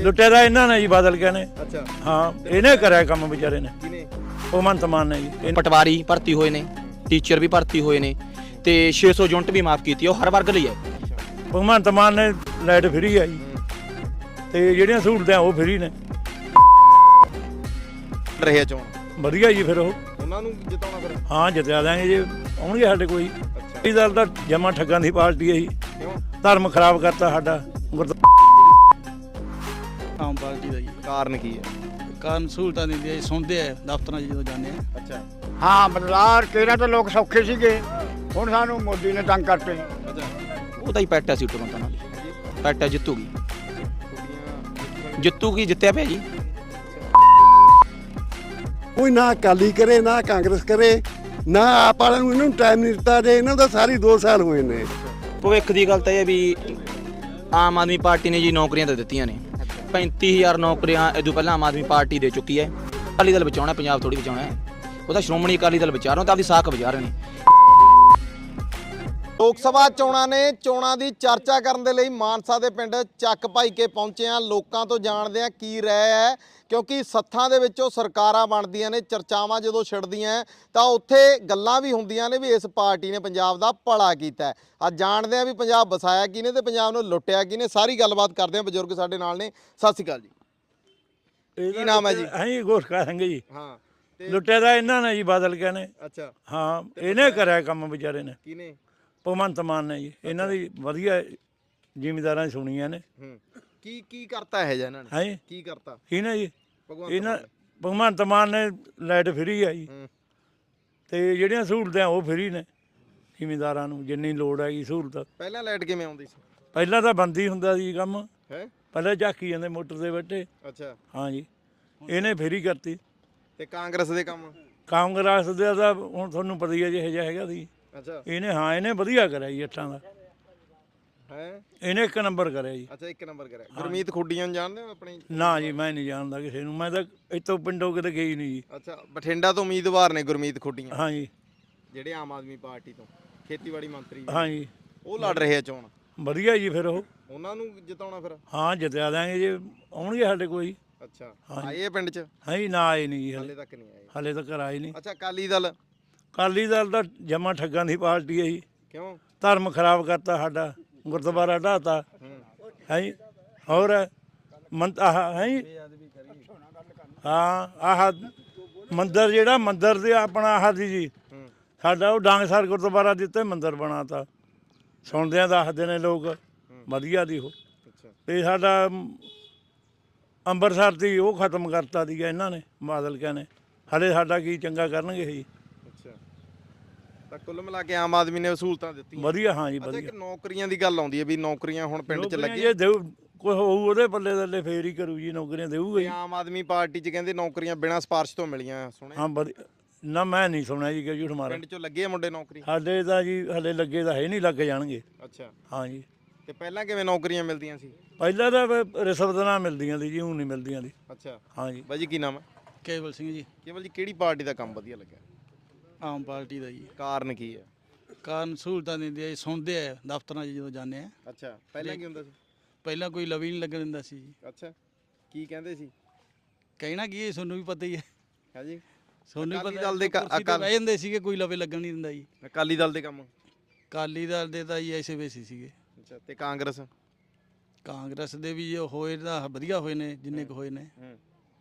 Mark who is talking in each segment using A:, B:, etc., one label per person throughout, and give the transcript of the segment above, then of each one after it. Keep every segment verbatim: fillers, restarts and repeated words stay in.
A: ਲੁੱਟੇ ਦਾ ਇਹਨਾਂ ਨੇ ਜੀ ਬਾਦਲ ਕੇ ਨੇ।
B: ਅੱਛਾ
A: ਹਾਂ ਇਹਨੇ ਕਰਿਆ ਕੰਮ ਵਿਚਾਰੇ ਨੇ,
B: ਕਿਨੇ?
A: ਭਗਵੰਤ ਮਾਨ ਨੇ ਜੀ।
C: ਪਟਵਾਰੀ ਭਰਤੀ ਹੋਏ ਨੇ, ਟੀਚਰ ਵੀ ਭਰਤੀ ਹੋਏ ਨੇ ਤੇ ਛੇ ਸੌ ਯੂਨਿਟ ਵੀ ਮਾਫ ਕੀਤੀ, ਉਹ ਹਰ ਵਰਗ ਲਈ ਹੈ।
A: ਭਗਵੰਤ ਮਾਨ ਨੇ ਲਾਈਟ ਫਰੀ ਆ ਜੀ, ਤੇ ਜਿਹੜੀਆਂ ਸਹੂਲਤਾਂ ਉਹ ਫਰੀ ਨੇ।
B: ਰਹੇ ਚੋਣ
A: ਵਧੀਆ ਜੀ, ਫਿਰ ਉਹ
B: ਉਹਨਾਂ ਨੂੰ ਜਿਤਾਉਣਾ ਫਿਰ?
A: ਹਾਂ ਜਿੱਤਿਆ ਦਾਂਗੇ ਜੇ ਆਉਣਗੇ ਸਾਡੇ ਕੋਈ।
B: ਅੱਛਾ
A: ਇਹ ਦਲ ਤਾਂ ਜਮਾ ਠੱਗਾਂ ਦੀ ਪਾਰਟੀ ਹੈ ਜੀ,
B: ਕਿਉਂ?
A: ਧਰਮ ਖਰਾਬ ਕਰਤਾ ਸਾਡਾ।
D: ਆਮ ਪਾਰਟੀ ਦਾ ਜੀ।
B: ਕਾਰਨ ਕੀ ਹੈ?
D: ਕਾਰਨ ਸਹੂਲਤਾਂ ਦਿੰਦੀ ਹੈ, ਸੁਣਦੇ ਆ ਦਫ਼ਤਰਾਂ 'ਚ ਜਦੋਂ ਜਾਂਦੇ ਆ।
B: ਅੱਛਾ
E: ਹਾਂ ਬਦਲਾਅ ਕਿਹੜਾ ਤਾਂ ਲੋਕ ਸੌਖੇ ਸੀਗੇ, ਹੁਣ ਸਾਨੂੰ ਮੋਦੀ ਨੇ ਤੰਗ ਕਰਤੇ।
B: ਅੱਛਾ
C: ਉਹਦਾ ਹੀ ਪੈਟਾ ਸੀ ਤੁਰੰਤ ਨਾਲ, ਪੈਟਾ ਜਿੱਤੂਗੀ,
B: ਕੁੜੀਆਂ
C: ਜਿੱਤੂਗੀ, ਜਿੱਤਿਆ ਪਿਆ ਜੀ।
F: ਕੋਈ ਨਾ ਅਕਾਲੀ ਕਰੇ ਨਾ ਕਾਂਗਰਸ ਕਰੇ ਨਾ ਆਪ ਵਾਲਿਆਂ ਨੂੰ ਇਹਨਾਂ ਨੂੰ ਟਾਈਮ ਨਹੀਂ ਦਿੱਤਾ। ਜੇ ਇਹਨਾਂ ਦਾ ਸਾਰੀ ਦੋ ਸਾਲ ਹੋਏ ਨੇ।
C: ਭਵਿੱਖ ਦੀ ਗੱਲ ਤਾਂ ਇਹ ਵੀ ਆਮ ਆਦਮੀ ਪਾਰਟੀ ਨੇ ਜੀ ਨੌਕਰੀਆਂ ਤਾਂ ਦਿੱਤੀਆਂ ਨੇ, ਪੈਂਤੀ ਹਜ਼ਾਰ ਨੌਕਰੀਆਂ ਇਦੋਂ ਪਹਿਲਾਂ ਆਮ ਆਦਮੀ ਪਾਰਟੀ ਦੇ ਚੁੱਕੀ ਹੈ। ਅਕਾਲੀ ਦਲ ਬਚਾਉਣਾ, ਪੰਜਾਬ ਥੋੜੀ ਬਚਾਉਣਾ ਹੈ। ਉਹਦਾ ਸ਼੍ਰੋਮਣੀ ਅਕਾਲੀ ਦਲ ਵਿਚਾਰ ਰਹੇ ਤਾਂ ਆਪਦੀ ਸਾਖ ਵਿਚਾਰ ਰਹੇ ਨੇ।
B: ਲੋਕ ਸਭਾ ਚੋਣਾਂ ਨੇ, ਚੋਣਾਂ ਦੀ ਚਰਚਾ ਕਰਨ ਦੇ ਲਈ ਮਾਨਸਾ ਦੇ ਪਿੰਡ ਚੱਕ ਭਾਈ ਕੇ ਪਹੁੰਚੇ ਆ। ਲੋਕਾਂ ਤੋਂ ਜਾਣਦੇ ਆ ਕੀ ਰਹਿ ਹੈ, ਕਿਉਂਕਿ ਸੱਥਾਂ ਦੇ ਵਿੱਚੋਂ ਸਰਕਾਰਾਂ ਬਣਦੀਆਂ ਨੇ, ਚਰਚਾਵਾਂ ਜਦੋਂ ਛਿੜਦੀਆਂ ਤਾਂ ਉੱਥੇ ਗੱਲਾਂ ਵੀ ਹੁੰਦੀਆਂ ਨੇ ਵੀ ਇਸ ਪਾਰਟੀ ਨੇ ਪੰਜਾਬ ਦਾ ਭਲਾ ਕੀਤਾ ਹੈ। ਅੱਜ ਜਾਣਦੇ ਆ ਵੀ ਪੰਜਾਬ ਵਸਾਇਆ ਕਿਹਨੇ ਤੇ ਪੰਜਾਬ ਨੂੰ ਲੁੱਟਿਆ ਕਿਹਨੇ। ਸਾਰੀ ਗੱਲਬਾਤ ਕਰਦੇ ਆ, ਬਜ਼ੁਰਗ ਸਾਡੇ ਨਾਲ ਨੇ। ਸਤਿ ਸ਼੍ਰੀ ਅਕਾਲ ਜੀ। ਕੀ ਨਾਮ ਹੈ ਜੀ?
A: ਹਾਂ ਜੀ ਗੋਰਖਾ ਸਿੰਘ ਜੀ।
B: ਹਾਂ
A: ਲੁੱਟੇ ਦਾ ਇਹਨਾਂ ਨੇ ਜੀ ਬਾਦਲ ਕੇ ਨੇ।
B: ਅੱਛਾ
A: ਹਾਂ ਇਹਨੇ ਕਰਿਆ ਕੰਮ ਵਿਚਾਰੇ ਨੇ,
B: ਕਿਨੇ?
A: ਭਗਵੰਤ ਮਾਨ ਨੇ ਜੀ। ਇਹਨਾਂ ਦੀ ਵਧੀਆ ਜ਼ਿਮੀਂਦਾਰਾਂ ਦੀ ਸੁਣੀਆਂ ਨੇ।
B: ਹੂੰ ਕੀ ਕੀ ਕਰਤਾ ਹੈ ਜੀ ਇਹਨਾਂ ਨੇ?
A: ਹੈ
B: ਕੀ ਕਰਤਾ
A: ਇਹਨੇ ਜੀ?
B: ਭਗਵੰਤ
A: ਇਹਨਾਂ ਭਗਵੰਤ ਮਾਨ ਨੇ ਲਾਈਟ ਫਰੀ ਆ ਜੀ,
B: ਹੂੰ
A: ਤੇ ਜਿਹੜੀਆਂ ਸਹੂਲਤਾਂ ਉਹ ਫਰੀ ਨੇ ਜ਼ਿਮੀਂਦਾਰਾਂ ਨੂੰ, ਜਿੰਨੀ ਲੋੜ ਹੈਗੀ ਸਹੂਲਤ।
B: ਪਹਿਲਾਂ ਲਾਈਟ ਕਿਵੇਂ ਆਉਂਦੀ ਸੀ?
A: ਪਹਿਲਾਂ ਤਾਂ ਬੰਦੀ ਹੁੰਦਾ ਸੀ ਕੰਮ,
B: ਹੈ
A: ਪਹਿਲਾਂ ਝਾਕੀ ਜਾਂਦੇ ਮੋਟਰ ਦੇ ਬੈਠੇ।
B: ਅੱਛਾ
A: ਹਾਂ ਜੀ ਇਹਨੇ ਫਰੀ ਕਰਤੀ।
B: ਤੇ ਕਾਂਗਰਸ ਦੇ ਕੰਮ?
A: ਕਾਂਗਰਸ ਦਾ ਤਾਂ ਹੁਣ ਤੁਹਾਨੂੰ ਪਤਾ ਹੀ ਹੈ ਜਿਹੋ ਜਿਹਾ ਹੈਗਾ ਸੀ।
B: ਅੱਛਾ
A: ਇਹਨੇ ਹਾਂ ਇਹਨੇ ਵਧੀਆ ਕਰਿਆ ਜੀ ਅੱਠਾਂ ਦਾ,
B: ਹੈ
A: ਇਹਨੇ ਇੱਕ ਨੰਬਰ ਕਰਿਆ ਜੀ।
B: ਅੱਛਾ ਇੱਕ ਨੰਬਰ ਕਰਿਆ। ਗੁਰਮੀਤ ਖੁੱਡੀਆਂ ਨੂੰ ਜਾਣਦੇ ਹੋ ਆਪਣੀ?
A: ਨਾ ਜੀ ਮੈਂ ਨਹੀਂ ਜਾਣਦਾ ਕਿਸੇ ਨੂੰ, ਮੈਂ ਤਾਂ ਇੱਥੋਂ ਪਿੰਡੋਂ ਕਿਤੇ ਗਈ ਨਹੀਂ ਜੀ।
B: ਅੱਛਾ ਬਠਿੰਡਾ ਤੋਂ ਉਮੀਦਵਾਰ ਨੇ ਗੁਰਮੀਤ ਖੁੱਡੀਆਂ,
A: ਹਾਂ ਜੀ
B: ਜਿਹੜੇ ਆਮ ਆਦਮੀ ਪਾਰਟੀ ਤੋਂ ਖੇਤੀਬਾੜੀ ਮੰਤਰੀ
A: ਹਾਂ ਜੀ
B: ਉਹ ਲੜ ਰਹੇ ਆ ਚੋਣ।
A: ਵਧੀਆ ਜੀ, ਫਿਰ ਉਹ
B: ਉਹਨਾਂ ਨੂੰ ਜਿਤਾਉਣਾ ਫਿਰ?
A: ਹਾਂ ਜਿੱਤਿਆ ਦਾਂਗੇ ਜੇ ਆਉਣਗੇ ਸਾਡੇ ਕੋਈ।
B: ਅੱਛਾ ਆਏ ਆ ਪਿੰਡ 'ਚ?
A: ਹਾਂ ਜੀ ਨਾ ਆਏ ਨਹੀਂ ਜੀ,
B: ਹਾਲੇ
A: ਹਲੇ
B: ਤੱਕ ਨਹੀਂ ਆਏ।
A: ਹਲੇ ਤੱਕ ਆਏ ਨਹੀਂ।
B: ਅੱਛਾ ਅਕਾਲੀ ਦਲ?
A: ਅਕਾਲੀ ਦਲ ਤਾਂ ਜਮਾ ਠੱਗਾਂ ਦੀ ਪਾਰਟੀ ਹੈ ਜੀ,
B: ਕਿਉਂ?
A: ਧਰਮ ਖਰਾਬ ਕਰਤਾ ਸਾਡਾ, ਗੁਰਦੁਆਰਾ ਢਾਤਾ ਹੈ ਜੀ। ਹੋਰ ਮੰਤ ਆਹ ਹੈ ਜੀ, ਹਾਂ ਆਹ ਮੰਦਰ ਜਿਹੜਾ ਮੰਦਰ ਦੇ ਆਪਣਾ ਆਹ ਦੀ ਜੀ ਸਾਡਾ ਉਹ ਡਾਂਗਸਰ ਗੁਰਦੁਆਰਾ ਦਿੱਤੇ ਮੰਦਰ ਬਣਾਤਾ। ਸੁਣਦਿਆਂ ਦੱਸਦੇ ਨੇ ਲੋਕ ਵਧੀਆ ਦੀ ਉਹ।
B: ਅੱਛਾ
A: ਤੇ ਸਾਡਾ ਅੰਮ੍ਰਿਤਸਰ ਦੀ ਉਹ ਖਤਮ ਕਰਤਾ ਸੀਗਾ ਇਹਨਾਂ ਨੇ, ਬਾਦਲ ਕਿਆ ਨੇ। ਹਲੇ ਸਾਡਾ ਕੀ ਚੰਗਾ ਕਰਨਗੇ ਜੀ।
B: ਅੱਛਾ ਤਾਂ ਕੁੱਲ ਮਿਲਾ ਕੇ ਆਮ ਆਦਮੀ ਨੇ ਸਹੂਲਤਾਂ ਦਿੱਤੀਆਂ
A: ਵਧੀਆ ਹਾਂ ਜੀ
B: ਅੱਛਾ
A: ਵਧੀਆ।
B: ਇੱਕ ਨੌਕਰੀਆਂ ਦੀ ਗੱਲ ਆਉਂਦੀ ਹੈ ਵੀ ਨੌਕਰੀਆਂ ਹੁਣ ਪਿੰਡ 'ਚ
A: ਨੌਕਰੀਆਂ
B: ਲੱਗੀਆਂ।
A: ਜੇ ਦੇਊ ਕੋਈ ਹੋਊ ਉਹਦੇ ਪੱਲੇ ਥੱਲੇ ਫੇਰ ਹੀ ਕਰੂ ਜੀ, ਨੌਕਰੀਆਂ ਦੇਊਗਾ
B: ਤੇ
A: ਜੀ।
B: ਆਮ ਆਦਮੀ ਪਾਰਟੀ 'ਚ ਕਹਿੰਦੇ ਨੌਕਰੀਆਂ ਬਿਨਾਂ ਸਿਫਾਰਿਸ਼ ਤੋਂ ਮਿਲੀਆਂ, ਸੁਣਿਆ?
A: ਹਾਂ ਵਧੀਆ ਨਾ, ਮੈਂ ਨਹੀਂ ਸੁਣਿਆ ਜੀ ਕਿ ਝੂਠ ਮਾਰਾ।
B: ਪਿੰਡ 'ਚੋਂ ਲੱਗੇ ਆ ਮੁੰਡੇ ਨੌਕਰੀ?
A: ਸਾਡੇ ਤਾਂ ਜੀ ਹਲੇ ਲੱਗੇ ਤਾਂ ਹੈ ਨਹੀਂ, ਲੱਗ ਜਾਣਗੇ।
B: ਅੱਛਾ
A: ਹਾਂ ਜੀ
B: ਤੇ ਪਹਿਲਾਂ ਕਿਵੇਂ ਨੌਕਰੀਆਂ ਮਿਲਦੀਆਂ ਸੀ?
A: ਪਹਿਲਾਂ ਤਾਂ ਫਿਰ ਰਿਸ਼ਵਤ ਨਾਲ ਮਿਲਦੀਆਂ ਸੀ ਜੀ, ਹੁਣ ਨਹੀਂ ਮਿਲਦੀਆਂ ਦੀ।
B: ਅੱਛਾ
A: ਹਾਂ ਜੀ
B: ਬਾਈ ਜੀ ਕੀ ਨਾਮ ਹੈ?
D: ਕੇਵਲ ਸਿੰਘ ਜੀ।
B: ਕੇਵਲ ਜੀ ਕਿਹੜੀ ਪਾਰਟੀ ਦਾ ਕੰਮ ਵਧੀਆ ਲੱਗਿਆ?
D: ਆਮ ਪਾਰਟੀ ਦਾ ਜੀ।
B: ਕਾਰਨ ਕੀ ਹੈ?
D: ਕਾਰਨ ਸਹੂਲਤਾਂ ਦਿੰਦੀ ਹੈ, ਸੁਣਦੇ ਆ ਦਫ਼ਤਰਾਂ 'ਚ ਜਦੋਂ ਜਾਂਦੇ ਆ।
B: ਅੱਛਾ ਪਹਿਲਾਂ ਕੀ ਹੁੰਦਾ ਸੀ?
D: ਪਹਿਲਾਂ ਕੋਈ ਲਵੀ ਨਹੀਂ ਲੱਗਣ ਦਿੰਦਾ ਸੀ ਜੀ।
B: ਅੱਛਾ ਕੀ ਕਹਿੰਦੇ ਸੀ?
D: ਕਹਿਣਾ ਕੀ ਹੈ, ਤੁਹਾਨੂੰ ਵੀ ਪਤਾ ਹੀ ਹੈ।
B: ਹੈ ਜੀ
D: ਤੁਹਾਨੂੰ ਵੀ
B: ਅਕਾਲੀ
D: ਪਤਾ
B: ਦਲ ਦੇ ਕ-
D: ਕੁਰਸੀ ਤੇ
B: ਅਕਾਲ-
D: ਬਹਿ ਜਾਂਦੇ ਸੀਗੇ, ਕੋਈ ਲਵੇ ਲੱਗਣ ਨਹੀਂ ਦਿੰਦਾ ਜੀ।
B: ਅਕਾਲੀ ਦਲ ਦੇ ਕੰਮ?
D: ਅਕਾਲੀ ਦਲ ਦੇ ਤਾਂ ਜੀ ਐਸੇ ਵੈਸੇ ਸੀਗੇ।
B: ਅੱਛਾ ਤੇ ਕਾਂਗਰਸ?
D: ਕਾਂਗਰਸ ਦੇ ਵੀ ਜੋ ਹੋਏ ਤਾਂ ਵਧੀਆ ਹੋਏ ਨੇ, ਜਿੰਨੇ ਕੁ ਹੋਏ ਨੇ।
B: ਹੂੰ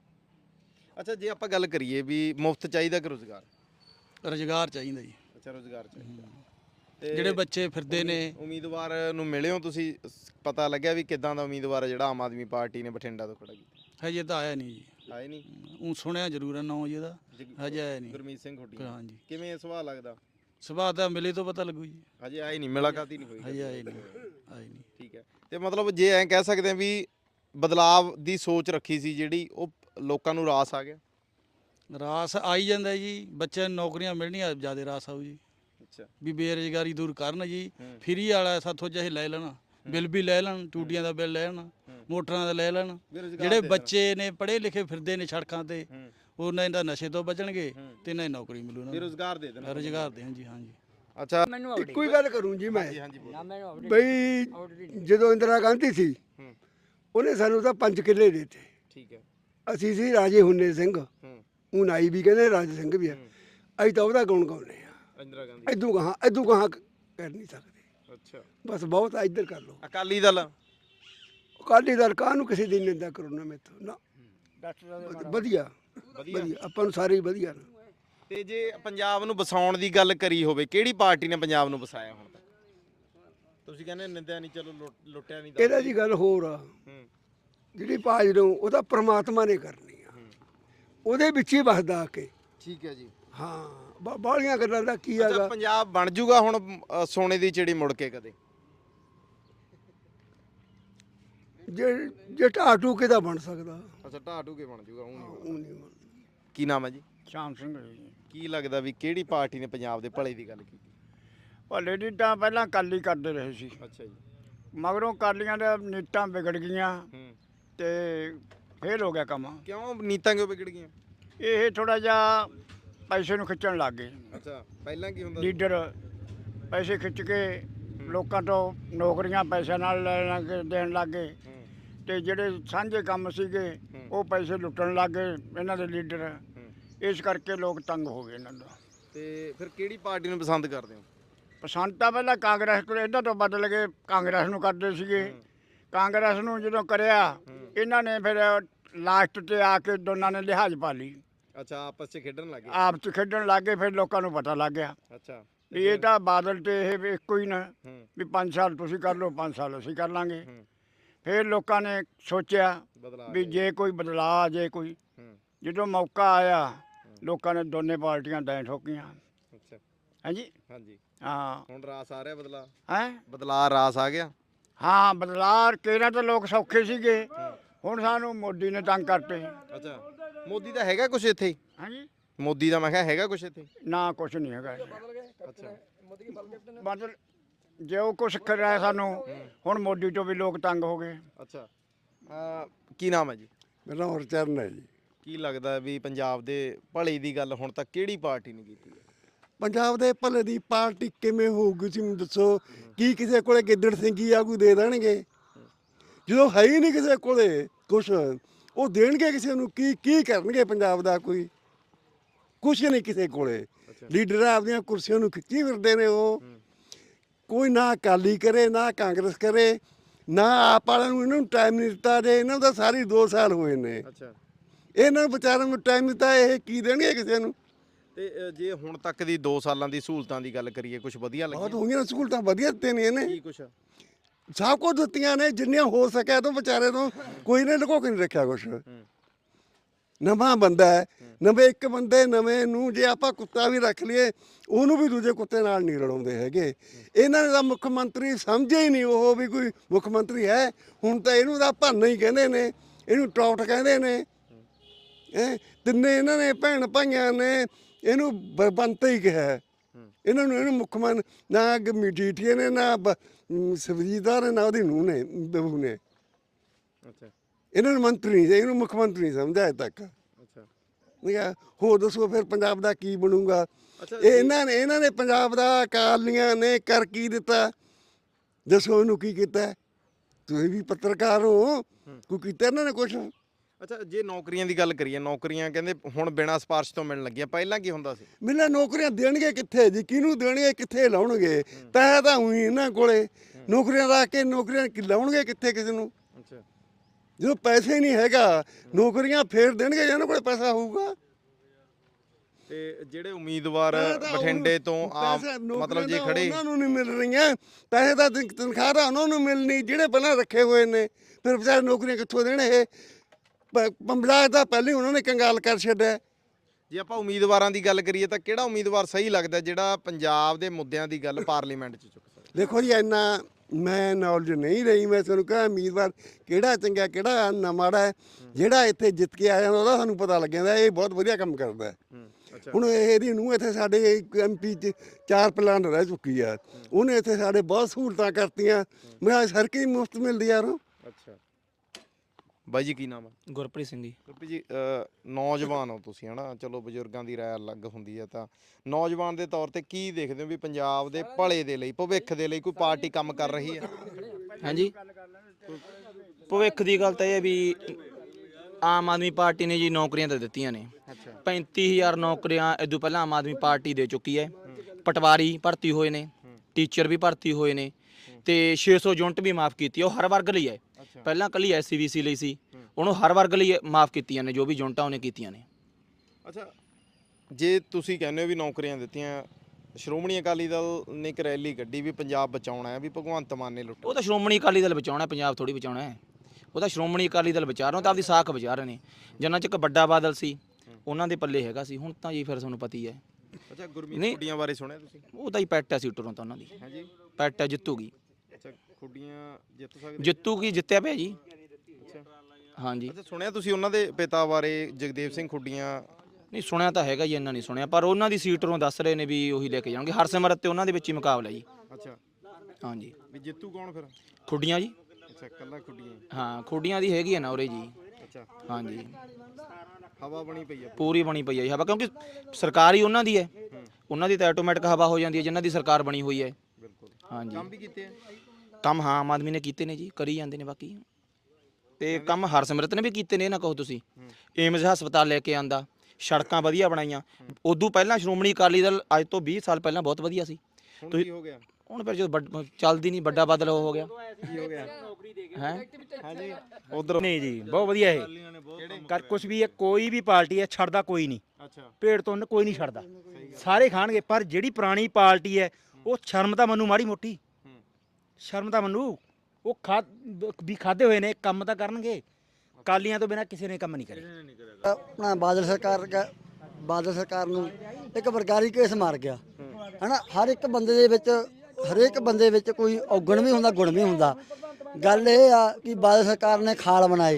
B: ਅੱਛਾ ਜੇ ਆਪਾਂ ਗੱਲ ਕਰੀਏ ਵੀ ਮੁਫਤ ਚਾਹੀਦਾ ਕਿ ਰੁਜ਼ਗਾਰ?
D: ਰੁਜ਼ਗਾਰ ਚਾਹੀਦਾ ਜੀ।
B: ਅੱਛਾ ਰੁਜ਼ਗਾਰ ਚਾਹੀਦਾ। ਤੇ
D: ਜਿਹੜੇ ਬੱਚੇ ਫਿਰਦੇ ਨੇ,
B: ਉਮੀਦਵਾਰ ਨੂੰ ਮਿਲੇ ਹੋ ਤੁਸੀਂ? ਸ- ਪਤਾ ਲੱਗਿਆ ਵੀ ਕਿੱਦਾਂ ਦਾ ਉਮੀਦਵਾਰ ਹੈ ਜਿਹੜਾ ਆਮ ਆਦਮੀ ਪਾਰਟੀ ਨੇ ਬਠਿੰਡਾ ਤੋਂ ਖੜਾ ਕੀਤਾ?
D: ਹਜੇ ਤਾਂ ਆਇਆ ਨਹੀਂ ਜੀ।
B: ਆਏ ਨਹੀਂ?
D: ਉਹ ਸੁਣਿਆ ਜ਼ਰੂਰ ਹੈ ਨਾਂ ਜੀ ਉਹਦਾ, ਹਜੇ ਆਇਆ ਨਹੀਂ।
B: ਗੁਰਮੀਤ ਸਿੰਘ ਖੁੱਡੀ
D: ਹਾਂਜੀ
B: ਕਿਵੇਂ ਸੁਭਾਅ ਲੱਗਦਾ?
D: ਸੁਭਾਅ ਤਾਂ ਮਿਲੇ ਤੋਂ ਪਤਾ ਲੱਗੂ ਜੀ।
B: ਹਜੇ ਆਏ ਨਹੀਂ, ਮੁਲਾਕਾਤ ਹੀ ਨਹੀਂ ਹੋਈ?
D: ਹਜੇ ਆਏ ਨਹੀਂ, ਆਏ ਨਹੀਂ।
B: ਠੀਕ ਹੈ ਤੇ ਮਤਲਬ ਜੇ ਐਂ ਕਹਿ ਸਕਦੇ ਆ ਵੀ ਬਦਲਾਵ ਦੀ ਸੋਚ ਰੱਖੀ ਸੀ ਜਿਹੜੀ, ਉਹ ਲੋਕਾਂ ਨੂੰ ਰਾਸ ਆ ਗਿਆ?
D: ਰਾਸ ਆਈ ਜਾਂਦਾ ਜੀ, ਬੱਚਿਆਂ ਨੂੰ ਨੌਕਰੀਆਂ ਮਿਲਣੀਆਂ ਜ਼ਿਆਦਾ ਰਾਸ ਆਊ ਜੀ।
B: ਅੱਛਾ
D: ਵੀ ਬੇਰੁਜ਼ਗਾਰੀ ਦੂਰ ਕਰਨ ਜੀ।
B: ਹੂੰ।
D: ਫਰੀ ਵਾਲਾ ਸਾਥੋਂ ਚਾਹੇ ਲੈ ਲੈਣ, ਬਿੱਲ ਵੀ ਲੈ ਲੈਣ, ਟੂਟੀਆਂ ਦਾ ਬਿੱਲ ਲੈ ਲੈਣ, ਮੋਟਰਾਂ ਦਾ ਲੈ ਲੈਣ।
B: ਬੇਰੁਜ਼ਗਾਰ
D: ਜਿਹੜੇ
B: ਦੇ
D: ਬੱਚੇ ਨੇ ਪੜ੍ਹੇ ਲਿਖੇ ਫਿਰਦੇ ਨੇ ਸੜਕਾਂ ਤੇ,
B: ਹੂੰ।
D: ਉਹਨਾਂ ਦਾ ਨਸ਼ੇ ਤੋਂ ਬਚਣਗੇ ਤੇ ਇਹਨਾਂ ਦੀ ਨੌਕਰੀ ਮਿਲੂ ਉਹਨਾਂ ਨੂੰ।
B: ਬੇਰੁਜ਼ਗਾਰ ਦੇ ਦੇਣਾ।
D: ਰੁਜ਼ਗਾਰ ਦੇਣ ਜੀ। ਹਾਂਜੀ
B: ਅੱਛਾ
F: ਇੱਕੋ ਹੀ ਗੱਲ ਕਰੂੰ ਜੀ ਮੈਂ,
B: ਹਾਂਜੀ ਬੋਲੋ।
F: ਬਈ ਜਦੋਂ ਇੰਦਰਾ ਗਾਂਧੀ ਸੀ
B: ਹੂੰ।
F: ਉਹਨੇ ਸਾਨੂੰ ਤਾਂ ਪੰਜ ਕਿੱਲੇ ਦਿੱਤੇ।
B: ਠੀਕ ਹੈ।
F: ਅਸੀਂ ਸੀ ਰਾਜੇ ਹੁੰਨੇ ਸਿੰਘ,
B: ਹੂੰ
F: ਉਹ ਨਾਈ ਵੀ ਕਹਿੰਦੇ ਰਾਜੇ ਸਿੰਘ ਵੀ ਆ। ਅਸੀਂ ਤਾਂ ਉਹਦਾ ਗੁਣ ਗਾਉਂਦੇ ਆ।
B: ਇੰਦਰਾ ਗਾਂਧੀ।
F: ਇਦੋਂ ਕਹਾਂ ਇਦੋਂ ਕਹਾਂ ਕਰ ਨਹੀਂ ਸਕਦੇ।
B: ਅੱਛਾ।
F: ਬਸ ਬਹੁਤ ਆ, ਇੱਧਰ ਕਰ ਲਓ।
B: ਅਕਾਲੀ ਦਲ
F: ਅਕਾਲੀ ਦਲ ਕਾਹਨੂੰ ਕਿਸੇ ਦੀ ਨਿੰਦਾ ਕਰਨਾ ਮੈਥੋਂ ਨਾ। ਵਧੀਆ ਵਧੀਆ ਆਪਾਂ ਨੂੰ ਸਾਰੇ ਹੀ ਵਧੀਆ ਨੇ।
B: ਤੇ ਜੇ ਪੰਜਾਬ ਨੂੰ ਵਸਾਉਣ ਦੀ ਗੱਲ ਕਰੀ ਹੋਵੇ, ਕਿਹੜੀ ਪਾਰਟੀ ਨੇ ਪੰਜਾਬ ਨੂੰ ਵਸਾਇਆ ਹੁਣ ਤੱਕ? ਤੁਸੀਂ ਕਹਿੰਦੇ ਨਿੰਦਿਆ ਨਹੀਂ, ਚਲੋ ਲੁੱਟ- ਲੁੱਟਿਆ ਨਹੀਂ।
F: ਇਹਦਾ ਜੀ ਗੱਲ ਹੋਰ ਆ,
B: ਹੂੰ
F: ਜਿਹੜੀ ਭਾਜ ਨੂੰ ਉਹਦਾ ਪ੍ਰਮਾਤਮਾ ਨੇ ਕਰਨੀ ਆ, ਉਹਦੇ ਵਿੱਚ ਹੀ ਵਸਦਾ ਆ ਕੇ।
B: ਠੀਕ ਹੈ ਜੀ।
F: ਹਾਂ ਬ- ਬਾਹਲੀਆਂ ਗੱਲਾਂ ਦਾ ਕੀ
B: ਅੱਛਾ,
F: ਹੈਗਾ।
B: ਪੰਜਾਬ ਬਣ ਜੂਗਾ ਹੁਣ ਅ, ਸੋਨੇ ਦੀ ਚਿੜੀ ਮੁੜ ਕੇ ਕਦੇ?
F: ਜੇ ਜੇ ਢਾਹ ਢੂ ਕੇ ਤਾਂ ਬਣ ਸਕਦਾ,
B: ਅੱਛਾ, ਢਾਹ ਢੂ ਕੇ ਬਣ ਜੂਗਾ। ਉਹ ਨਹੀਂ
F: ਉਹ ਨਹੀਂ ਬਣਦਾ।
B: ਕੀ ਨਾਮ ਹੈ ਜੀ?
E: ਸ਼ਾਮ ਸਿੰਘ ਜੀ।
B: ਕੀ ਲੱਗਦਾ ਵੀ ਕਿਹੜੀ ਪਾਰਟੀ ਨੇ ਪੰਜਾਬ ਦੇ ਭਲੇ ਦੀ ਗੱਲ ਕੀਤੀ?
E: ਭਲੇ ਦੀ ਤਾਂ ਪਹਿਲਾਂ ਕਾਲੀ ਕਰਦੇ ਰਹੇ ਸੀ,
B: ਅੱਛਾ ਜੀ।
E: ਮਗਰੋਂ ਕਾਲੀਆਂ ਦੇ ਨੀਤਾਂ ਵਿਗੜ ਗਈਆਂ
B: ਹੂੰ
E: ਤੇ ਫੇਲ ਹੋ ਗਿਆ ਕੰਮ।
B: ਕਿਉਂ ਨੀਤਾਂ ਕਿਉਂ ਵਿਗੜ ਗਈਆਂ?
E: ਇਹ ਥੋੜਾ ਜਿਹਾ ਪੈਸੇ ਨੂੰ ਖਿੱਚਣ ਲੱਗ ਗਏ
B: ਅੱਛਾ, ਪਹਿਲਾਂ ਕੀ ਹੁੰਦਾ ਸੀ?
E: ਲੀਡਰ, ਪੈਸੇ ਖਿੱਚ ਕੇ ਲੋਕਾਂ ਤੋਂ ਨੌਕਰੀਆਂ ਪੈਸੇ ਨਾਲ ਲੈਣ ਲੱਗ ਗਏ, ਦੇਣ ਲੱਗ ਗਏ।
B: ਹੂੰ
E: ਤੇ ਜਿਹੜੇ ਸਾਂਝੇ ਕੰਮ ਸੀਗੇ ਉਹ ਪੈਸੇ ਲੁੱਟਣ ਲੱਗ ਗਏ ਇਹਨਾਂ ਦੇ ਲੀਡਰ।
B: ਹੂੰ।
E: ਇਸ ਕਰਕੇ ਲੋਕ ਤੰਗ ਹੋ ਗਏ ਇਹਨਾਂ ਤੋਂ।
B: ਤੇ ਫਿਰ ਕਿਹੜੀ ਪਾਰਟੀ ਨੂੰ ਪਸੰਦ ਕਰਦੇ ਹੋ?
E: ਪਸੰਦ ਤਾਂ ਪਹਿਲਾਂ ਕਾਂਗਰਸ ਕੋਲ, ਇਹਨਾਂ ਤੋਂ ਬਦਲ ਕੇ ਕਾਂਗਰਸ ਨੂੰ ਕਰਦੇ ਸੀਗੇ। ਕਾਂਗਰਸ ਨੂੰ ਜਦੋਂ ਕਰਿਆ ਇਹਨਾਂ ਨੇ ਫਿਰ ਲਾਸਟ ਤੇ ਆ ਕੇ ਦੋਨਾਂ ਨੇ ਲਿਹਾਜ਼ ਪਾ ਲਈ,
B: ਅੱਛਾ, ਆਪਸ 'ਚ ਖੇਡਣ ਲੱਗੇ।
E: ਆਪ 'ਚ ਖੇਡਣ ਲੱਗ ਗਏ। ਫਿਰ ਲੋਕਾਂ ਨੂੰ ਪਤਾ ਲੱਗ ਗਿਆ
B: ਅੱਛਾ।
E: ਵੀ ਇਹ ਤਾਂ ਬਾਦਲ ਤੇ ਇਹ ਵੀ ਇੱਕੋ ਹੀ ਨਾ,
B: ਹੂੰ
E: ਵੀ ਪੰਜ ਸਾਲ ਤੁਸੀਂ ਕਰ ਲਓ, ਪੰਜ ਸਾਲ ਅਸੀਂ ਕਰ ਲਾਂਗੇ।
B: ਹੂੰ।
E: ਫਿਰ ਲੋਕਾਂ ਨੇ ਸੋਚਿਆ
B: ਬਦਲਾ
E: ਵੀ ਜੇ ਕੋਈ ਬਦਲਾਅ ਆ ਜੇ ਕੋਈ।
B: ਹੂੰ
E: ਜਦੋਂ ਮੌਕਾ ਆਇਆ ਲੋਕਾਂ ਨੇ ਦੋਨੇ ਪਾਰਟੀਆਂ ਦੈਂ ਠੋਕੀਆਂ।
B: ਅੱਛਾ।
E: ਹਾਂਜੀ
B: ਹਾਂਜੀ।
E: ਹਾਂ।
B: ਹੁਣ ਰਾਸ ਆ ਰਿਹਾ ਬਦਲਾ?
E: ਹੈ
B: ਬਦਲਾ ਰਾਸ ਆ ਗਿਆ?
E: ਹਾਂ, ਬਦਲਾਅ ਕਿਹੜਾ ਤਾਂ ਲੋਕ ਸੌਖੇ ਸੀਗੇ, ਹੁਣ ਸਾਨੂੰ ਮੋਦੀ ਨੇ ਤੰਗ ਕਰਤੇ।
B: ਅੱਛਾ, ਮੋਦੀ ਦਾ ਹੈਗਾ ਕੁਛ ਇੱਥੇ?
E: ਹਾਂਜੀ,
B: ਮੋਦੀ ਦਾ ਮੈਂ ਕਿਹਾ ਹੈਗਾ ਕੁਛ ਇੱਥੇ?
E: ਨਾ ਕੁਛ ਨਹੀਂ ਹੈਗਾ।
B: ਅੱਛਾ।
E: ਬਦਲ ਜੇ ਉਹ ਕੁਛ ਕਰਿਆ ਸਾਨੂੰ, ਹੁਣ ਮੋਦੀ ਤੋਂ ਵੀ ਲੋਕ ਤੰਗ ਹੋ ਗਏ।
B: ਅੱਛਾ। ਅ, ਕੀ ਨਾਮ ਹੈ ਜੀ?
F: ਮੇਰਾ ਹੋਰ ਚਰਨ ਹੈ ਜੀ।
B: ਕੀ ਲੱਗਦਾ ਵੀ ਪੰਜਾਬ ਦੇ ਭਲੇ ਦੀ ਗੱਲ ਹੁਣ ਤੱਕ ਕਿਹੜੀ ਪਾਰਟੀ ਨੇ ਕੀਤੀ ਹੈ?
F: ਪੰਜਾਬ ਦੇ ਭਲੇ ਦੀ ਪਾਰਟੀ ਕਿਵੇਂ ਹੋਊਗੀ ਤੁਸੀਂ ਮੈਨੂੰ ਦੱਸੋ। ਕੀ ਕਿਸੇ ਕੋਲੇ ਗਿੱਦੜ ਸਿੰਘੀ ਆਗੂ ਦੇ ਦੇਣਗੇ? ਜਦੋਂ ਹੈ ਹੀ ਨਹੀਂ ਕਿਸੇ ਕੋਲੇ ਕੁਛ, ਉਹ ਦੇਣਗੇ ਕਿਸੇ ਨੂੰ? ਕੀ ਕੀ ਕਰਨਗੇ ਪੰਜਾਬ ਦਾ? ਕੋਈ ਕੁਛ ਨਹੀਂ ਕਿਸੇ ਕੋਲੇ। ਲੀਡਰ ਆਪਦੀਆਂ ਕੁਰਸੀਆਂ ਨੂੰ ਖਿੱਚੀ ਫਿਰਦੇ ਨੇ। ਉਹ ਕੋਈ ਨਾ ਅਕਾਲੀ ਕਰੇ ਨਾ ਕਾਂਗਰਸ ਕਰੇ, ਨਾ ਆਪ ਵਾਲਿਆਂ ਨੂੰ ਇਹਨਾਂ ਨੂੰ ਟਾਈਮ ਨਹੀਂ ਦਿੱਤਾ। ਜੇ ਇਹਨਾਂ ਦਾ ਸਾਰੀ ਦੋ ਸਾਲ ਹੋਏ ਨੇ,
B: ਅੱਛਾ।
F: ਇਹਨਾਂ ਨੂੰ ਵਿਚਾਰਿਆਂ ਨੂੰ ਟਾਈਮ ਦਿੱਤਾ, ਇਹ ਕੀ ਦੇਣਗੇ ਕਿਸੇ ਨੂੰ?
B: ਤੇ ਅ, ਜੇ ਹੁਣ ਤੱਕ ਦੀ ਦੋ ਸਾਲਾਂ ਦੀ ਸਹੂਲਤਾਂ ਦੀ ਗੱਲ ਕਰੀਏ, ਕੁਝ ਵਧੀਆ
F: ਬਹੁਤ
B: ਲੱਗਿਆ?
F: ਹੋਈਆਂ ਸਹੂਲਤਾਂ, ਵਧੀਆ ਦਿੱਤੇ ਨੇ ਇਹਨੇ,
B: ਕੀ ਕੁਛ?
F: ਸਭ ਕੁਝ ਦਿੱਤੀਆਂ ਨੇ ਜਿੰਨੀਆਂ ਹੋ ਸਕਿਆ ਤੋਂ ਵਿਚਾਰੇ ਤੋਂ। ਕੋਈ ਨੇ ਲੁਕੋ ਕੇ ਨਹੀਂ ਰੱਖਿਆ ਕੁਛ। ਨਵਾਂ ਬੰਦਾ ਹੈ, ਨਵੇਂ ਇੱਕ ਬੰਦੇ ਨਵੇਂ ਨੂੰ ਜੇ ਆਪਾਂ ਕੁੱਤਾ ਵੀ ਰੱਖ ਲਈਏ, ਉਹਨੂੰ ਵੀ ਦੂਜੇ ਕੁੱਤੇ ਨਾਲ ਨਹੀਂ ਲੜਾਉਂਦੇ ਹੈਗੇ। ਇਹਨਾਂ ਨੇ ਤਾਂ ਮੁੱਖ ਮੰਤਰੀ ਸਮਝੇ ਹੀ ਨਹੀਂ ਉਹ ਵੀ ਕੋਈ ਮੁੱਖ ਮੰਤਰੀ ਹੈ। ਹੁਣ ਤਾਂ ਇਹਨੂੰ ਤਾਂ ਭਾਨਾ ਹੀ ਕਹਿੰਦੇ ਨੇ, ਇਹਨੂੰ ਟੌਟ ਕਹਿੰਦੇ ਨੇ। ਹੈਂ ਤਿੰਨੇ ਇਹਨਾਂ ਨੇ ਭੈਣ ਭਾਈਆਂ ਨੇ ਇਹਨੂੰ ਬ- ਬੰਤ ਹੀ ਕਿਹਾ। ਇਹਨਾਂ ਨੂੰ ਇਹਨੂੰ ਮੁੱਖ ਮੰਤਰੀ ਨਾ ਮਜੀਠੀਏ ਨੇ, ਨਾ ਸਵਜੀਦਾਰ ਨੇ, ਨਾ ਉਹਦੀ ਨੂੰਹ ਨੇ, ਬਹੂ ਨੇ।
B: ਅੱਛਾ
F: ਇਹਨਾਂ ਨੂੰ ਮੰਤਰੀ ਨਹੀਂ, ਇਹਨੂੰ ਮੁੱਖ ਮੰਤਰੀ ਨਹੀਂ ਸਮਝਿਆ ਅਜੇ ਤੱਕ।
B: ਅੱਛਾ
F: ਠੀਕ ਹੈ, ਹੋਰ ਦੱਸੋ ਫਿਰ ਪੰਜਾਬ ਦਾ ਕੀ ਬਣੂਗਾ?
B: ਅੱਛਾ
F: ਇਹ ਇਹਨਾਂ ਨੇ ਇਹਨਾਂ ਨੇ ਪੰਜਾਬ ਦਾ ਅਕਾਲੀਆਂ ਨੇ ਕਰ ਕੀ ਦਿੱਤਾ? ਦੱਸੋ ਇਹਨੂੰ ਕੀ ਕੀਤਾ? ਤੁਸੀਂ ਵੀ ਪੱਤਰਕਾਰ ਹੋ, ਕੋਈ ਕੀਤਾ ਇਹਨਾਂ ਨੇ ਕੁਛ?
B: ਅੱਛਾ, ਜੇ ਨੌਕਰੀਆਂ ਦੀ ਗੱਲ ਕਰੀਏ, ਨੌਕਰੀਆਂ ਕਹਿੰਦੇ ਹੁਣ ਬਿਨਾਂ ਸਿਫਾਰਿਸ਼ ਤੋਂ ਮਿਲਣ ਲੱਗੀਆਂ। ਪਹਿਲਾਂ ਕੀ ਹੁੰਦਾ ਸੀ?
F: ਮਿਲਿਆ ਨੌਕਰੀਆਂ ਦੇਣਗੇ ਕਿੱਥੇ ਜੀ? ਕਿਹਨੂੰ ਦੇਣਗੇ? ਕਿੱਥੇ ਲਾਉਣਗੇ? ਪੈਸਾ ਤਾਂ ਉਹੀ ਇਹਨਾਂ ਕੋਲੇ। ਨੌਕਰੀਆਂ ਲਾ ਕੇ ਨੌਕਰੀਆਂ ਕਿ ਲਾਉਣਗੇ ਕਿੱਥੇ ਕਿਸੇ ਨੂੰ?
B: ਅੱਛਾ।
F: ਜਦੋਂ ਪੈਸੇ ਹੀ ਨਹੀਂ ਹੈਗਾ, ਨੌਕਰੀਆਂ ਫੇਰ ਦੇਣਗੇ ਜਿਹਨਾਂ ਕੋਲੇ ਪੈਸਾ ਹੋਊਗਾ।
B: ਤੇ ਜਿਹੜੇ ਉਮੀਦਵਾਰ
F: ਪੈਸਾ ਤਾਂ
B: ਬਠਿੰਡੇ
F: ਉਹਨੂੰ-
B: ਤੋਂ ਆਮ
F: ਪੈਸਾ
B: ਮਤਲਬ ਜੇ
F: ਨੌਕਰੀਆਂ
B: ਖੜੇ,
F: ਉਹਨਾਂ ਨੂੰ ਨਹੀਂ ਮਿਲ ਰਹੀਆਂ। ਪੈਸੇ ਤਾਂ ਤਨ- ਤਨਖਾਹ ਤਾਂ ਉਹਨਾਂ ਨੂੰ ਮਿਲਣੀ ਜਿਹੜੇ ਪਹਿਲਾਂ ਰੱਖੇ ਹੋਏ ਨੇ। ਫਿਰ ਵਿਚਾਰੇ ਨੌਕਰੀਆਂ ਕਿੱਥੋਂ ਦੇਣ? ਇਹ ਪੰਬਲਾ ਤਾਂ ਪਹਿਲੇ ਉਹਨਾਂ ਨੇ ਕੰਗਾਲ ਕਰ ਛੱਡਿਆ।
B: ਜੇ ਆਪਾਂ ਉਮੀਦਵਾਰਾਂ ਦੀ ਗੱਲ ਕਰੀਏ ਤਾਂ ਕਿਹੜਾ ਉਮੀਦਵਾਰ ਸਹੀ ਲੱਗਦਾ ਜਿਹੜਾ ਪੰਜਾਬ ਦੇ ਮੁੱਦਿਆਂ ਦੀ ਗੱਲ ਪਾਰਲੀਮੈਂਟ 'ਚ ਚੁੱਕ ਸਕਦਾ?
F: ਦੇਖੋ ਜੀ ਇੰਨਾ ਮੈਂ ਨੌਲੇਜ ਨਹੀਂ ਰਹੀ, ਮੈਂ ਤੁਹਾਨੂੰ ਕਹਾਂ ਉਮੀਦਵਾਰ ਕਿਹੜਾ ਚੰਗਾ ਕਿਹੜਾ ਨਾ ਮਾੜਾ ਹੈ। ਜਿਹੜਾ ਇੱਥੇ ਜਿੱਤ ਕੇ ਆ ਜਾਂਦਾ ਉਹਦਾ ਸਾਨੂੰ ਪਤਾ ਲੱਗ ਜਾਂਦਾ ਇਹ ਬਹੁਤ ਵਧੀਆ ਕੰਮ ਕਰਦਾ ਹੈ।
B: ਅੱਛਾ।
F: ਹੁਣ ਇਹਦੀ ਨੂੰ ਇੱਥੇ ਸਾਡੇ ਐਮਪੀ 'ਚ ਚਾਰ ਪਲਾਨ ਰਹਿ ਚੁੱਕੀ ਆ। ਉਹਨੇ ਇੱਥੇ ਸਾਡੇ ਬਹੁਤ ਸਹੂਲਤਾਂ ਕਰਤੀਆਂ। ਮੈਂ ਸੜਕ ਹੀ ਮੁਫਤ ਮਿਲਦੀ ਯਾਰ।
B: ਅੱਛਾ ਬਾਈ ਜੀ, ਕੀ ਨਾਮ ਹੈ?
C: ਗੁਰਪ੍ਰੀਤ ਸਿੰਘ ਜੀ।
B: ਗੁਰਪ੍ਰੀਤ ਜੀ, ਅ, ਨੌਜਵਾਨ ਹੋ ਤੁਸੀਂ, ਹਨਾ? ਚਲੋ ਬਜ਼ੁਰਗਾਂ ਦੀ ਰਾਏ ਅਲੱਗ ਹੁੰਦੀ ਹੈ, ਤਾਂ ਨੌਜਵਾਨ ਦੇ ਤੌਰ ਤੇ ਕੀ ਦੇਖਦੇ ਹੋ ਵੀ ਪੰਜਾਬ ਦੇ ਭਲੇ ਦੇ ਲਈ, ਭਵਿੱਖ ਦੇ ਲਈ ਕੋਈ ਪਾਰਟੀ ਕੰਮ ਕਰ ਰਹੀ ਹੈ?
C: ਹਾਂਜੀ, ਭਵਿੱਖ ਦੀ ਗੱਲ ਤਾਂ ਇਹ ਹੈ ਵੀ ਆਮ ਆਦਮੀ ਪਾਰਟੀ ਨੇ ਜੀ ਨੌਕਰੀਆਂ ਤਾਂ ਦਿੱਤੀਆਂ ਨੇ ਪੈਂਤੀ ਹਜ਼ਾਰ ਨੌਕਰੀਆਂ ਇਦੋਂ ਪਹਿਲਾਂ ਆਮ ਆਦਮੀ ਪਾਰਟੀ ਦੇ ਚੁੱਕੀ ਹੈ। ਪਟਵਾਰੀ ਭਰਤੀ ਹੋਏ ਨੇ, ਟੀਚਰ ਵੀ ਭਰਤੀ ਹੋਏ ਨੇ ਤੇ ਛੇ ਸੌ ਯੂਨਿਟ ਵੀ ਮਾਫ ਕੀਤੀ, ਉਹ ਹਰ ਵਰਗ ਲਈ ਹੈ। ਪਹਿਲਾਂ ਕੱਲੀ ਐਸ ਸੀ ਬੀ ਸੀ ਲਈ ਸੀ, ਉਹਨੂੰ ਹਰ ਵਰਗ ਲਈ ਮਾਫ ਕੀਤੀਆਂ ਨੇ, ਜੋ ਵੀ ਯੂਨਿਟਾਂ ਉਹਨੇ ਕੀਤੀਆਂ ਨੇ।
B: ਅੱਛਾ, ਜੇ ਤੁਸੀਂ ਕਹਿੰਦੇ ਹੋ ਵੀ ਨੌਕਰੀਆਂ ਦਿੱਤੀਆਂ, ਸ਼੍ਰੋਮਣੀ ਅਕਾਲੀ ਦਲ ਨੇ ਇੱਕ ਰੈਲੀ ਕੱਢੀ ਵੀ ਪੰਜਾਬ ਬਚਾਉਣਾ ਹੈ, ਵੀ ਭਗਵੰਤ ਮਾਨ ਨੇ ਲੁੱਟਿਆ।
C: ਉਹ ਤਾਂ ਸ਼੍ਰੋਮਣੀ ਅਕਾਲੀ ਦਲ ਬਚਾਉਣਾ, ਪੰਜਾਬ ਥੋੜੀ ਬਚਾਉਣਾ ਹੈ। ਉਹ ਤਾਂ ਸ਼੍ਰੋਮਣੀ ਅਕਾਲੀ ਦਲ ਵਿਚਾਰ ਰਹੇ ਤਾਂ ਆਪਦੀ ਸਾਖ ਵਿਚਾਰ ਰਹੇ ਨੇ। ਜਿੰਨਾ ਚਿਰ ਵੱਡਾ ਬਾਦਲ ਸੀ ਉਹਨਾਂ ਦੇ ਪੱਲੇ ਹੈਗਾ ਸੀ, ਹੁਣ ਤਾਂ ਜੀ ਫਿਰ ਤੁਹਾਨੂੰ ਪਤਾ ਹੀ ਹੈ।
B: ਅੱਛਾ, ਗੁਰਮੀਤ ਖੁੱਡੀਆਂ ਬਾਰੇ ਸੁਣਿਆ ਤੁਸੀਂ?
C: ਉਹ ਤਾਂ ਹੀ ਪੈਟ ਹੈ ਸੀ ਟੁਰੋਂ ਤਾਂ ਉਹਨਾਂ ਦੀ।
B: ਹਾਂਜੀ,
C: ਪੈਟ ਹੈ, ਜਿੱਤੂਗੀ।
B: ਅੱਛਾ, ਖੁੱਡੀਆਂ ਜਿੱਤ ਸਕਦੇ?
C: ਜਿੱਤੂਗੀ, ਜਿੱਤਿਆ ਪਿਆ ਜੀ।
B: ਅੱਛਾ
C: ਹਾਂਜੀ।
B: ਅੱਛਾ, ਸੁਣਿਆ ਤੁਸੀਂ ਉਹਨਾਂ ਦੇ ਪਿਤਾ ਬਾਰੇ, ਜਗਦੇਵ ਸਿੰਘ ਖੁੱਡੀਆਂ?
C: ਨਹੀਂ ਸੁਣਿਆ ਤਾਂ ਹੈਗਾ ਜੀ, ਇੰਨਾ ਨਹੀਂ ਸੁਣਿਆ, ਪਰ ਉਹਨਾਂ ਦੀ ਸੀਟ ਨੂੰ ਦੱਸ ਰਹੇ ਨੇ ਵੀ ਉਹੀ ਲੈ ਕੇ ਜਾਣਗੇ। ਹਰਸਿਮਰਤ ਤੇ ਉਹਨਾਂ ਦੇ ਵਿੱਚ ਹੀ ਮੁਕਾਬਲਾ ਜੀ।
B: ਅੱਛਾ,
C: ਹਾਂਜੀ।
B: ਵੀ ਜਿੱਤੂ ਕੌਣ ਫਿਰ?
C: ਖੁੱਡੀਆਂ ਜੀ।
B: ਅੱਛਾ, ਕੱਲਾ ਖੁੱਡੀਆਂ?
C: ਹਾਂ, ਖੁੱਡੀਆਂ ਦੀ ਹੈਗੀ ਹੈ ਨਾ ਉਰੇ ਜੀ।
B: ਅੱਛਾ,
C: ਹਾਂਜੀ,
B: ਹਵਾ ਬਣੀ ਪਈ ਹੈ
C: ਪੂਰੀ ਬਣੀ ਪਈ ਹੈ ਜੀ ਹਵਾ, ਕਿਉਂਕਿ ਸਰਕਾਰ ਹੀ ਉਹਨਾਂ ਦੀ ਹੈ। ਉਹਨਾਂ ਦੀ ਤਾਂ ਆਟੋਮੈਟਿਕ ਹਵਾ ਹੋ ਜਾਂਦੀ ਹੈ ਜਿਨ੍ਹਾਂ ਦੀ ਸਰਕਾਰ ਬਣੀ ਹੋਈ ਹੈ।
B: ਬਿਲਕੁਲ।
C: ਹਾਂਜੀ,
B: ਕੰਮ ਵੀ ਕੀਤੇ ਆ?
C: ਕੰਮ ਹਾਂ ਆਮ ਆਦਮੀ ਨੇ ਕੀਤੇ ਨੇ ਜੀ, ਕਰੀ ਜਾਂਦੇ ਨੇ ਬਾਕੀ। ਤੇ ਕੰਮ ਹਰਸਿਮਰਤ ਨੇ ਵੀ ਕੀਤੇ ਨੇ, ਇਹ ਨਾ ਕਹੋ ਤੁਸੀਂ। ਏਮਜ਼ ਹਸਪਤਾਲ ਲੈ ਕੇ ਆਂਦਾ, ਸੜਕਾਂ ਵਧੀਆ ਬਣਾਈਆਂ। ਉਦੋਂ ਪਹਿਲਾਂ ਸ਼੍ਰੋਮਣੀ ਅਕਾਲੀ ਦਲ ਅੱਜ ਤੋਂ ਵੀਹ ਸਾਲ ਪਹਿਲਾਂ ਬਹੁਤ ਵਧੀਆ ਸੀ।
B: ਹੁਣ ਕੀ ਹੋ ਗਿਆ?
C: ਹੁਣ ਫਿਰ ਜਦੋਂ ਚੱਲਦੀ ਨਹੀਂ, ਵੱਡਾ ਬਦਲ ਹੋ ਗਿਆ।
B: ਕੀ ਹੋ ਗਿਆ?
C: ਹੈ
B: ਹਾਂਜੀ, ਉਧਰ
G: ਨਹੀਂ ਜੀ, ਬਹੁਤ ਵਧੀਆ ਹੈ। ਕਰ ਕੁਛ ਵੀ ਹੈ, ਕੋਈ ਵੀ ਪਾਰਟੀ ਹੈ ਛੱਡਦਾ ਕੋਈ ਨਹੀਂ।
B: ਅੱਛਾ,
G: ਭੇੜ ਤੋਂ ਕੋਈ ਨਹੀਂ ਛੱਡਦਾ, ਸਾਰੇ ਖਾਣਗੇ। ਪਰ ਜਿਹੜੀ ਪੁਰਾਣੀ ਪਾਰਟੀ ਹੈ ਉਹ ਸ਼ਰਮ ਤਾਂ ਮੰਨੂ, ਮਾੜੀ ਮੋਟੀ ਸ਼ਰਮ ਤਾਂ ਮੰਨੂ। ਉਹ ਖਾ ਵੀ ਖਾਦੇ ਹੋਏ ਨੇ, ਕੰਮ ਤਾਂ ਕਰਨਗੇ। ਕਾਲੀਆਂ ਤੋਂ ਬਿਨਾਂ ਕਿਸੇ ਨੇ ਕੰਮ ਨਹੀਂ ਕਰੇ।
H: ਆਪਣਾ ਬਾਦਲ ਸਰਕਾਰ ਕ- ਬਾਦਲ ਸਰਕਾਰ ਨੂੰ ਇੱਕ ਵਰਗਾਰੀ ਕੇਸ ਮਾਰ ਗਿਆ ਹਨਾ। ਹਰ ਇੱਕ ਬੰਦੇ ਦੇ ਵਿੱਚ, ਹਰੇਕ ਬੰਦੇ ਵਿੱਚ ਕੋਈ ਔਗਣ ਵੀ ਹੁੰਦਾ, ਗੁਣ ਵੀ ਹੁੰਦਾ। ਗੱਲ ਇਹ ਆ ਕਿ ਬਾਦਲ ਸਰਕਾਰ ਨੇ ਖਾਲ ਬਣਾਏ,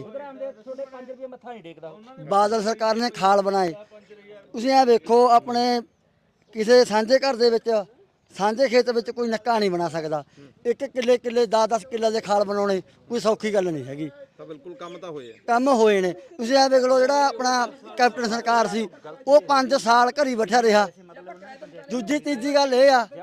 H: ਬਾਦਲ ਸਰਕਾਰ ਨੇ ਖਾਲ ਬਣਾਏ। ਤੁਸੀਂ ਇਹ ਵੇਖੋ, ਆਪਣੇ ਕਿਸੇ ਸਾਂਝੇ ਘਰ ਦੇ ਵਿੱਚ, ਸਾਂਝੇ ਖੇਤ ਵਿੱਚ ਕੋਈ ਨੱਕਾ ਨਹੀਂ ਬਣਾ ਸਕਦਾ। ਇੱਕ ਕਿੱਲੇ ਕਿੱਲੇ ਦਸ ਦਸ ਕਿੱਲੇ ਦੇ ਖਾਲ ਬਣਾਉਣੇ ਕੋਈ ਸੌਖੀ ਗੱਲ ਨਹੀਂ ਹੈਗੀ।
B: ਤਾਂ ਬਿਲਕੁਲ ਕੰਮ ਤਾਂ ਹੋਏ ਆ।
H: ਕੰਮ ਹੋਏ ਨੇ। ਤੁਸੀਂ ਇਹ ਵੇਖ ਲਓ, ਜਿਹੜਾ ਆਪਣਾ ਕੈਪਟਨ ਸਰਕਾਰ ਸੀ ਉਹ ਪੰਜ ਸਾਲ ਘਰੀ ਬੈਠਾ ਰਿਹਾ। ਦੂਜੀ ਤੀਜੀ ਗੱਲ ਇਹ ਆ,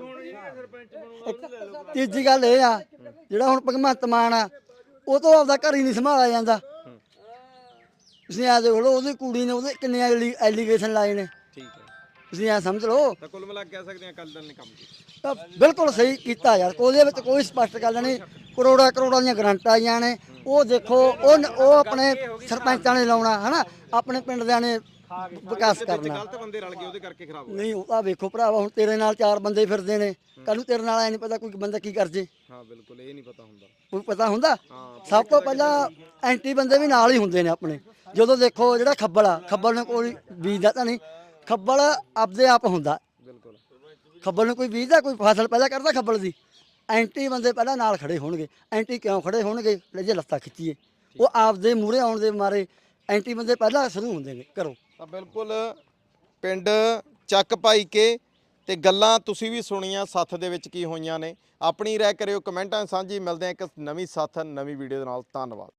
H: ਤੀਜੀ ਗੱਲ ਇਹ ਆ ਜਿਹੜਾ ਹੁਣ ਭਗਵੰਤ ਮਾਨ ਆ, ਉਹ ਤੋਂ ਆਪਦਾ ਘਰ ਹੀ ਨਹੀਂ ਸੰਭਾਲਿਆ ਜਾਂਦਾ। ਤੁਸੀਂ ਇਹ ਦੇਖ ਲਓ, ਉਹਦੀ ਕੁੜੀ ਨੇ ਉਹਦੇ ਕਿੰਨੇ ਐਲੀਗੇਸ਼ਨ ਲਾਏ ਨੇ।
B: ਠੀਕ ਹੈ,
H: ਤੁਸੀਂ ਇਹ ਸਮਝ ਲਓ।
B: ਤਾਂ ਕੁੱਲ ਮਿਲਾ ਕੇ ਕਹਿ ਸਕਦੇ ਆ ਅਕਾਲੀ ਦਲ ਨੇ ਕੰਮ ਕੀਤਾ।
H: ਤਾਂ ਬਿਲਕੁਲ ਸਹੀ ਕੀਤਾ ਯਾਰ, ਉਹਦੇ ਵਿੱਚ ਕੋਈ ਸਪਸ਼ਟ ਗੱਲ ਨਹੀਂ। ਕਰੋੜਾਂ ਕਰੋੜਾਂ ਦੀਆਂ ਗਰੰਟਾਂ ਆਈਆਂ ਨੇ। ਉਹ ਦੇਖੋ, ਉਹ ਉਹ ਆਪਣੇ ਸਰਪੰਚਾਂ ਨੇ ਲਾਉਣਾ ਹਨਾ, ਆਪਣੇ ਪਿੰਡ ਦਿਆਂ ਨੇ ਵਿਕਾਸ ਕਰਨਾ।
B: ਗਲਤ ਬੰਦੇ ਰਲ ਗਏ, ਉਹਦੇ ਕਰਕੇ ਖਰਾਬ ਹੋ
H: ਨਹੀਂ, ਉਹ ਤਾਂ ਵੇਖੋ ਭਰਾਵਾ, ਹੁਣ ਤੇਰੇ ਨਾਲ ਚਾਰ ਬੰਦੇ ਫਿਰਦੇ ਨੇ, ਕੱਲ ਨੂੰ ਤੇਰੇ ਨਾਲ ਐ ਨਹੀਂ ਪਤਾ ਕੋਈ ਬੰਦਾ ਕੀ ਕਰ ਜੇ।
B: ਹਾਂ ਬਿਲਕੁਲ, ਇਹ ਨਹੀਂ ਪਤਾ ਹੁੰਦਾ।
H: ਕੋਈ ਪਤਾ ਹੁੰਦਾ? ਸਭ ਤੋਂ ਪਹਿਲਾਂ ਐਂਟੀ ਬੰਦੇ ਵੀ ਨਾਲ ਹੀ ਹੁੰਦੇ ਨੇ ਆਪਣੇ। ਜਦੋਂ ਦੇਖੋ ਜਿਹੜਾ ਖੱਬਲ ਆ, ਖੱਬਲ ਨੂੰ ਕੋਈ ਬੀਜਦਾ ਤਾਂ ਨਹੀਂ, ਖੱਬਲ ਆਪਦੇ ਆਪ ਹੁੰਦਾ।
B: ਬਿਲਕੁਲ,
H: ਖੱਬਲ ਨੂੰ ਕੋਈ ਬੀਜਦਾ, ਕੋਈ ਫਸਲ ਪੈਦਾ ਕਰਦਾ ਖੱਬਲ ਦੀ। ਐਂਟੀ ਬੰਦੇ ਪਹਿਲਾਂ ਨਾਲ ਖੜੇ ਹੋਣਗੇ। ਐਂਟੀ ਕਿਉਂ ਖੜੇ ਹੋਣਗੇ? ਜੇ ਲੱਤਾਂ ਖਿੱਚੀਏ, ਉਹ ਆਪਦੇ ਮੂਹਰੇ ਆਉਣ ਦੇ ਮਾਰੇ ਐਂਟੀ ਬੰਦੇ ਪਹਿਲਾਂ ਸ਼ੁਰੂ ਹੁੰਦੇ ਨੇ। ਕਰੋ
B: ਤਾਂ ਬਿਲਕੁਲ ਪਿੰਡ ਚੱਕ ਭਾਈ ਕੇ ਤੇ ਗੱਲਾਂ ਤੁਸੀਂ ਵੀ ਸੁਣੀਆਂ, ਸੱਥ ਦੇ ਵਿੱਚ ਕੀ ਹੋਈਆਂ ਨੇ। ਆਪਣੀ ਰਾਏ ਕਰਿਓ ਕਮੈਂਟਾਂ ਸਾਂਝੀ। ਮਿਲਦੇ ਆ ਇੱਕ ਨਵੀਂ ਸੱਥ, ਨਵੀਂ ਵੀਡੀਓ ਦੇ ਨਾਲ। ਧੰਨਵਾਦ।